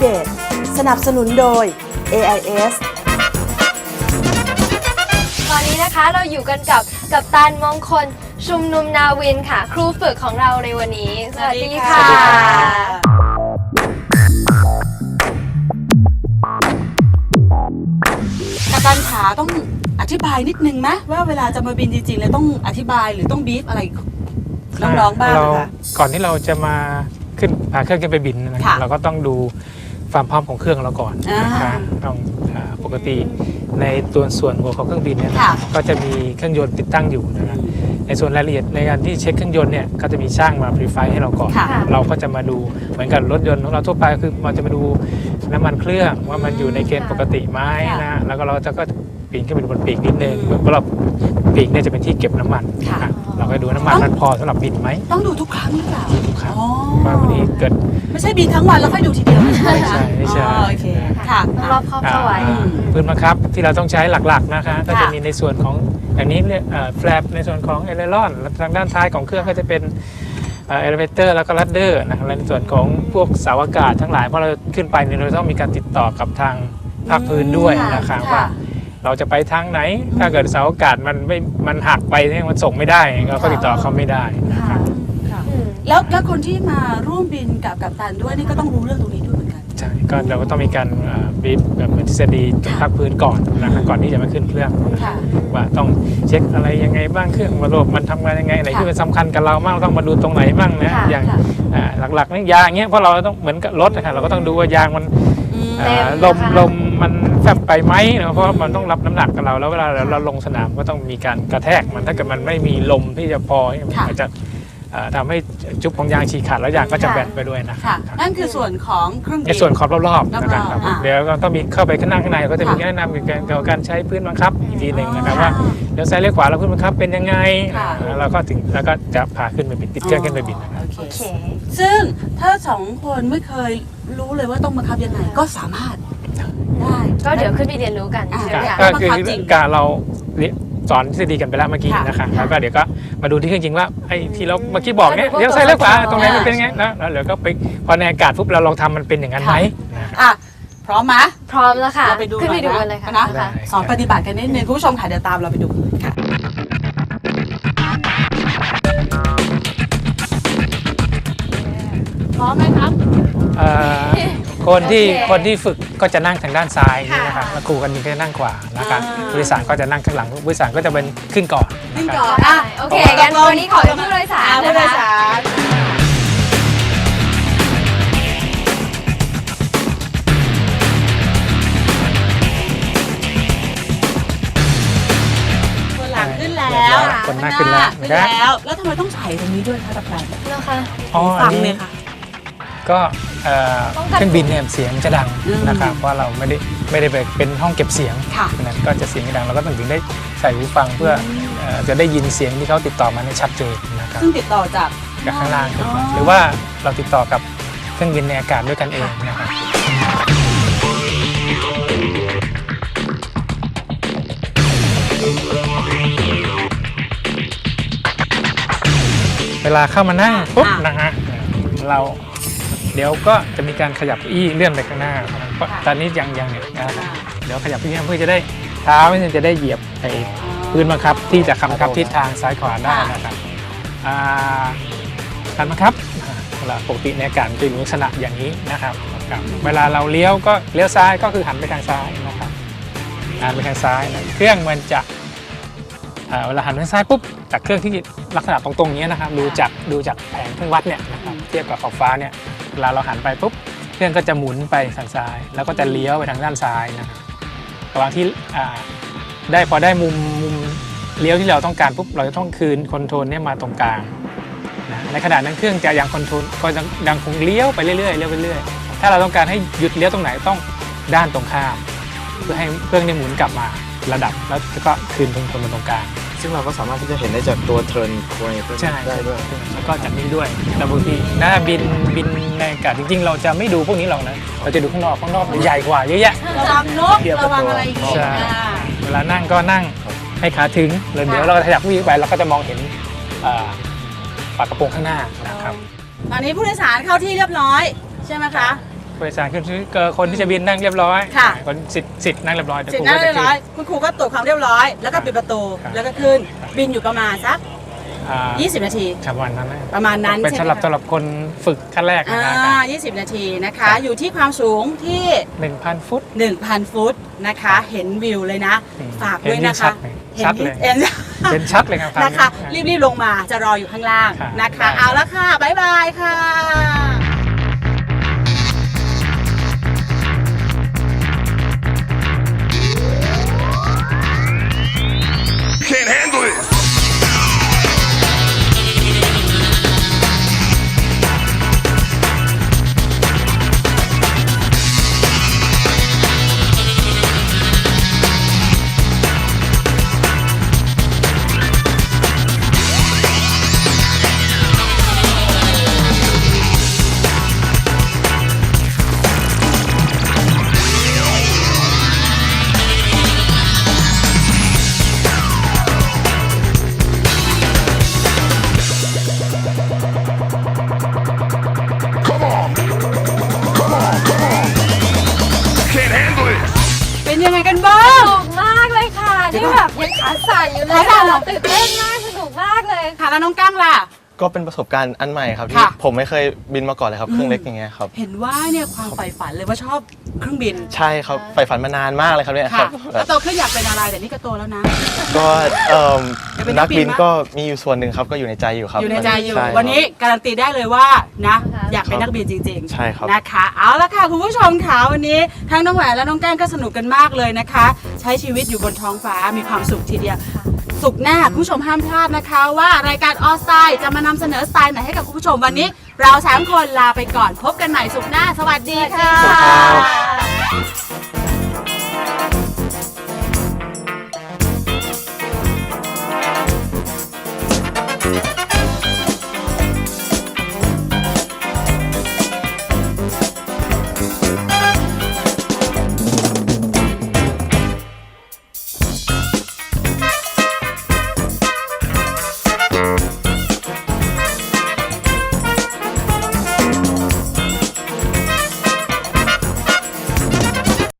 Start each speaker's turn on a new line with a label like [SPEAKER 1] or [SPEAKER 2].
[SPEAKER 1] Navigate สนับสนุนโดย AIS
[SPEAKER 2] ตอนนี้นะคะเราอยู่กันกับกัปตันมงคลชุมนุมนาวินค่ะครูฝึกของเราในวันนี้สวัสดีค่ะ
[SPEAKER 3] กัปตันขาต้องอธิบายนิดนึงไหมว่าเวลาจะมาบินจริงๆแล้วต้องอธิบายหรือต้องบีฟอะไรน้องๆบ้างนะคะ
[SPEAKER 4] ก่อนที่เราจะมาขึ้นพาเครื่องขึ้นไปบินนะครับเราก็ต้องดูความพร้อมของเครื่องเราก่อนนะคะต้องปกติในตัวส่วนหัวของเครื่องบินเนี่ยก็จะมีเครื่องยนต์ติดตั้งอยู่นะครับในส่วนรายละเอียดในการที่เช็คเครื่องยนต์เนี่ยก็จะมีช่างมาพรีไฟให้เราก่อนเราก็จะมาดูเหมือนกับรถยนต์ของเราทั่วไปคือเราจะมาดูน้ำมันเครื่องว่ามันอยู่ในเกณฑ์ปกติไหมนะแล้วก็เราจะก็ปีนขึ้นไปบนปีกนิดนึงเพราะเราปีกเนี่ยจะเป็นที่เก็บน้ำมันเราก็ดูน้ำมันมันพอสำหรับบินไหม
[SPEAKER 3] ต้องดูทุกครั้งหรือเปล่า
[SPEAKER 4] ทุกครั้งว่าวันนี้เกิด
[SPEAKER 3] ไม่ใช่บินทั้งวันแล้วค่อยดูทีเดียวไม่ใช่
[SPEAKER 4] ไม่ใช่
[SPEAKER 3] โอเคค่ะ
[SPEAKER 2] รอบครอบเข้าไว้
[SPEAKER 4] พื้นบังคับที่เราต้องใช้หลักๆนะคะก็จะมีในส่วนของอย่างนี้เรียกแฟลปในส่วนของเอเลรอนทางด้านท้ายของเครื่องก็จะเป็นเอเลเวเตอร์แล้วก็ลัดเดอร์นะครับในส่วนของพวกเสาอากาศทั้งหลายเพราะเราขึ้นไปเนี่ยเราต้องมีการติดต่อกับทางภาคพื้นด้วยนะครับว่าเราจะไปทางไหนถ้าเกิดเสาอากาศมันหักไปเนี่ยมันส่งไม่ได้เราก็ติดต่อเขาไม่ได้นะครับ
[SPEAKER 3] แล้วคนที่มาร่วมบินกับกัปตันด้วยนี่ก็ต้องรู้เรื่องตรงนี้ด้วยเหมือนกัน
[SPEAKER 4] ใช่ก็เราก็ต้องมีการบีบแบบทฤษฎีภาคพื้นก่อนนะครับก่อนที่จะมาขึ้นเครื่องว่าต้องเช็คอะไรยังไงบ้างเครื่องระบบมันทำงานยังไงอะไรที่มันสำคัญกับเราบ้างต้องมาดูตรงไหนบ้างนะอย่างหลักๆนี่ยางเงี้ยเพราะเราต้องเหมือนกับรถนะเราก็ต้องดูว่ายางมันลมมันแฟบไปไหมนะเพราะมันต้องรับน้ำหนักกับเราแล้วเวลาเราลงสนามก็ต้องมีการกระแทกมันถ้าเกิดมันไม่มีลมที่จะพออาจจะทำให้จุ๊บของยางฉีกขาดแล้วยางก็จะแบนไปด้วยนะครับ
[SPEAKER 3] นั่นคือส่วนของเครื่องบิน
[SPEAKER 4] ในส่วนขอบรอบๆนะครับเดี๋ยวก็ต้องมีเข้าไปข้างในก็จะมีแนะนำเกี่ยวกับการใช้พื้นบังคับอีกทีหนึ่งนะครับว่าเดี๋ยวซ้ายเลี้ยวขวาแล้วพื้นบังคับเป็นยังไงแล้วก็จะพาขึ้นไปบินติดเครื่องขึ้นไปบินนะครับ
[SPEAKER 3] ซึ่งถ้า2 คนไม่เคยรู้เลยว่าต้องบังคับยังไงก็สามารถได้
[SPEAKER 2] ก็เดี๋ยวขึ้นไปเรียนรู้กัน
[SPEAKER 4] ก็คือการเราสอนทฤษฎีกันไปแล้วเมื่อกี้นะคะแล้วก็เดี๋ยวก็มาดูที่เครื่องจริงว่าไอ้ที่เราเมื่อกี้บอกเนี่ยเลี้ยวซ้ายเลี้ยวขวาตรงไหนมันเป็นยังไงแล้วเดี๋ยวก็ไปพอในอากาศปุ๊บเราลองทำมันเป็นอย่างนั้นไหม
[SPEAKER 3] พร้อมไหม
[SPEAKER 2] พร้อมแล้วค่ะ
[SPEAKER 3] เราไปดูขึ้นไปดูกันเลยค่ะนะสอนปฏิบัติกันนิดนึงคุณผู้ชมค่ะเดี๋ยวตามเราไปดูกันค่ะพร้อมไหมครับ
[SPEAKER 4] คนที่ฝึกก็จะนั่งทางด้านซ้ายนี่นะครับแล้วครูกันบินก็จะนั่งขวานะครับผู้โดยสารก็จะนั่งข้างหลังผู้โดยสารก็จะเป็นขึ้นก่อน
[SPEAKER 2] โอเคงั้นวันนี้ขอเป็นผู้โดยสารนะคะ
[SPEAKER 3] คนหลังขึ้นแล้ว
[SPEAKER 4] คนหน้าขึ้นแล้ว
[SPEAKER 3] แล้วทำไมต้องใส่ตรงนี้ด้วยคะกัปตัน
[SPEAKER 2] นะคะ
[SPEAKER 4] ฟังเลยค่ะก็เครื่องบินเนี่ยเสียงจะดังนะครับเพราะเราไม่ได้เป็นห้องเก็บเสียงนั้นก็จะเสียงดังเราก็ต้องถึงได้ใส่หูฟังเพื่อจะได้ยินเสียงที่เขาติดต่อมาในชัดเจนนะครับ
[SPEAKER 3] ซึ่งติดต่อจาก
[SPEAKER 4] ข้างล่างขึ้นมาหรือว่าเราติดต่อกับเครื่องบินในอากาศด้วยกันเองนะครับเวลาเข้ามานั่งปุ๊บนะฮะเราเดี๋ยวก็จะมีการขยับอี้เลื่อนไปข้างหน้าเพราะตอนนี้ยังเนี่ยนะครับเดี๋ยวขยับอี้เพื่อจะได้เท้าจะได้เหยียบไปพื้นบังคับที่จะบังคับทิศทางซ้ายขวาได้นะครับการบังคับเวลาปกติในอากาศจะอยู่ลักษณะอย่างนี้นะครับเวลาเราเลี้ยวก็เลี้ยวซ้ายก็คือหันไปทางซ้ายนะครับหันไปทางซ้ายนะเครื่องมันจะเวลาหันไปทางซ้ายปุ๊บจากเครื่องที่ลักษณะตรงๆนี้นะครับดูจากแผงเครื่องวัดเนี่ยนะครับเทียบกับขอบฟ้าเนี่ยเวลาเราหันไปปุ๊บเครื่องก็จะหมุนไปทางซ้ายแล้วก็จะเลี้ยวไปทางด้านซ้ายนะครับระหว่างที่พอได้มุมเลี้ยวที่เราต้องการปุ๊บเราจะต้องคืนคอนโทรลเนี่ยมาตรงกลางนะในขณะนั้นเครื่องจะยังคอนโทรลก็ยังคงเลี้ยวไปเรื่อยๆเลี้ยวไปเรื่อยถ้าเราต้องการให้หยุดเลี้ยวตรงไหนต้องด้านตรงข้ามเพื่อให้เครื่องเนี่ยหมุนกลับมาระดับแล้วก็คืนคอนโทรลมาตรงกลาง
[SPEAKER 5] ซึ่งเราก็สามารถที่จะเห็นได้จากตัวเทิร์นควยได้ด้วย
[SPEAKER 4] แล้วก็จากนี้ด้วยแต่บางทีบินในอากาศจริงๆเราจะไม่ดูพวกนี้หรอกนะเราจะดูข้างนอกใหญ่กว่าเยอะแยะ
[SPEAKER 3] ระวังนกระวังอะไรอย่างเงี้ย
[SPEAKER 4] เวลานั่งก็นั่งให้ขาถึงเดี๋ยวเราขยับวิ่งไปเราก็จะมองเห็นฝากระโปรงข้างหน้านะครับ
[SPEAKER 3] ตอนนี้ผู้โดยสารเข้าที่เรียบร้อยใช่ไหมคะ
[SPEAKER 4] ผู้โดยสารขึ้นคนที่จะบินนั่งเรียบร้อย
[SPEAKER 3] ค่ะ
[SPEAKER 4] คนสิทธิ์นั่งเรียบร้อยแต่
[SPEAKER 3] เสร็จ
[SPEAKER 4] ครู
[SPEAKER 3] นั่
[SPEAKER 4] ก็
[SPEAKER 3] นเรี
[SPEAKER 4] จะ
[SPEAKER 3] ยบร้อยคุณครูก็ตรวจความเรียบร้อย แล้วก็ปิดประตู
[SPEAKER 4] ครับ
[SPEAKER 3] แล้วก็ขึ้นบินอยู่ประมาณสัก 20 นาที
[SPEAKER 4] ครับวันนั้นนะ
[SPEAKER 3] ประมาณนั้น
[SPEAKER 4] เป็น
[SPEAKER 3] ใช่ไหม
[SPEAKER 4] สำหรับคนฝึกขั้นแรกนะครับ
[SPEAKER 3] 20 นาทีนะคะ อยู่ที่ความสูงที่
[SPEAKER 4] 1,000 ฟุต
[SPEAKER 3] 1,000 ฟุตนะคะ เห็นวิวเลยนะ ฝากด้วยนะคะ
[SPEAKER 4] ชัดเลย
[SPEAKER 3] เห็น
[SPEAKER 4] เป็นชัดเลยครับ
[SPEAKER 3] นะคะ รีบๆลงมาจะรออยู่ข้างล่าง
[SPEAKER 4] ครับ
[SPEAKER 3] นะคะ
[SPEAKER 4] ได้
[SPEAKER 3] เอาละค่ะ บ๊ายบายค่ะ
[SPEAKER 6] Can't handle it. Come on. Come on. Come on. Can't handle it.
[SPEAKER 3] เป็นยังไงกันบ้าง
[SPEAKER 2] สนุกมากเลยค่ะ
[SPEAKER 3] เดี๋ยว
[SPEAKER 2] นี่
[SPEAKER 3] ก่อน
[SPEAKER 2] แบบยังขาสั่นอยู่เลย
[SPEAKER 3] ขาสั่นเหรอ
[SPEAKER 2] ตื่นเต้นมากสนุกมากเลย
[SPEAKER 3] ค่ะแล้วน้องกั้งล่ะ
[SPEAKER 5] ก็เป็นประสบการณ์อันใหม่ครับที่
[SPEAKER 3] ค่ะ
[SPEAKER 5] ผมไม่เคยบินมาก่อนเลยครับเครื่องเล็กอย่างเงี้ยครับ
[SPEAKER 3] เห็นว่าเนี่ยความใฝ่ฝันเลยว่าชอบเครื่องบิน
[SPEAKER 5] ใช่ครับใฝ่ฝันมานานมากเลยครับเนี่ยค
[SPEAKER 3] ค่ะ
[SPEAKER 5] รับ
[SPEAKER 3] แล้วโตขึ้นอยากเป็นอะไรแต่นี่ก็โตแล้วนะ
[SPEAKER 5] ก็
[SPEAKER 3] อยากเป็นนั
[SPEAKER 5] นั
[SPEAKER 3] ก
[SPEAKER 5] ก
[SPEAKER 3] บิ
[SPEAKER 5] บิ
[SPEAKER 3] น
[SPEAKER 5] น
[SPEAKER 3] มั้ย
[SPEAKER 5] ก็มีอยู่ส่วนหนึ่งครับก็อยู่ในใจอยู่ครับ
[SPEAKER 3] อยู่ในใจอยู่
[SPEAKER 5] ช่ครับ
[SPEAKER 3] วันนี้การันตีได้เลยว่านะ
[SPEAKER 2] ค่ะ
[SPEAKER 3] อยากเป็นนักบินจริง
[SPEAKER 5] ใช่ครับ
[SPEAKER 3] นะคะ เอาละค่ะคุณผู้ชมค่ะวันนี้ทั้งน้องแหวนและน้องแก้งก็สนุกกันมากเลยนะคะ ใช้ชีวิตอยู่บนท้องฟ้ามีความสุขทีเดียวสุขหน้าคุณผู้ชมห้ามพลาดนะคะ ว่ารายการออสไตล์จะมานำเสนอสไตล์ไหนให้กับคุณผู้ชมวันนี้ เรา3คนลาไปก่อนพบกันใหม่สุขหน้าสวัสดีค่ะ
[SPEAKER 5] สวัสดีครับ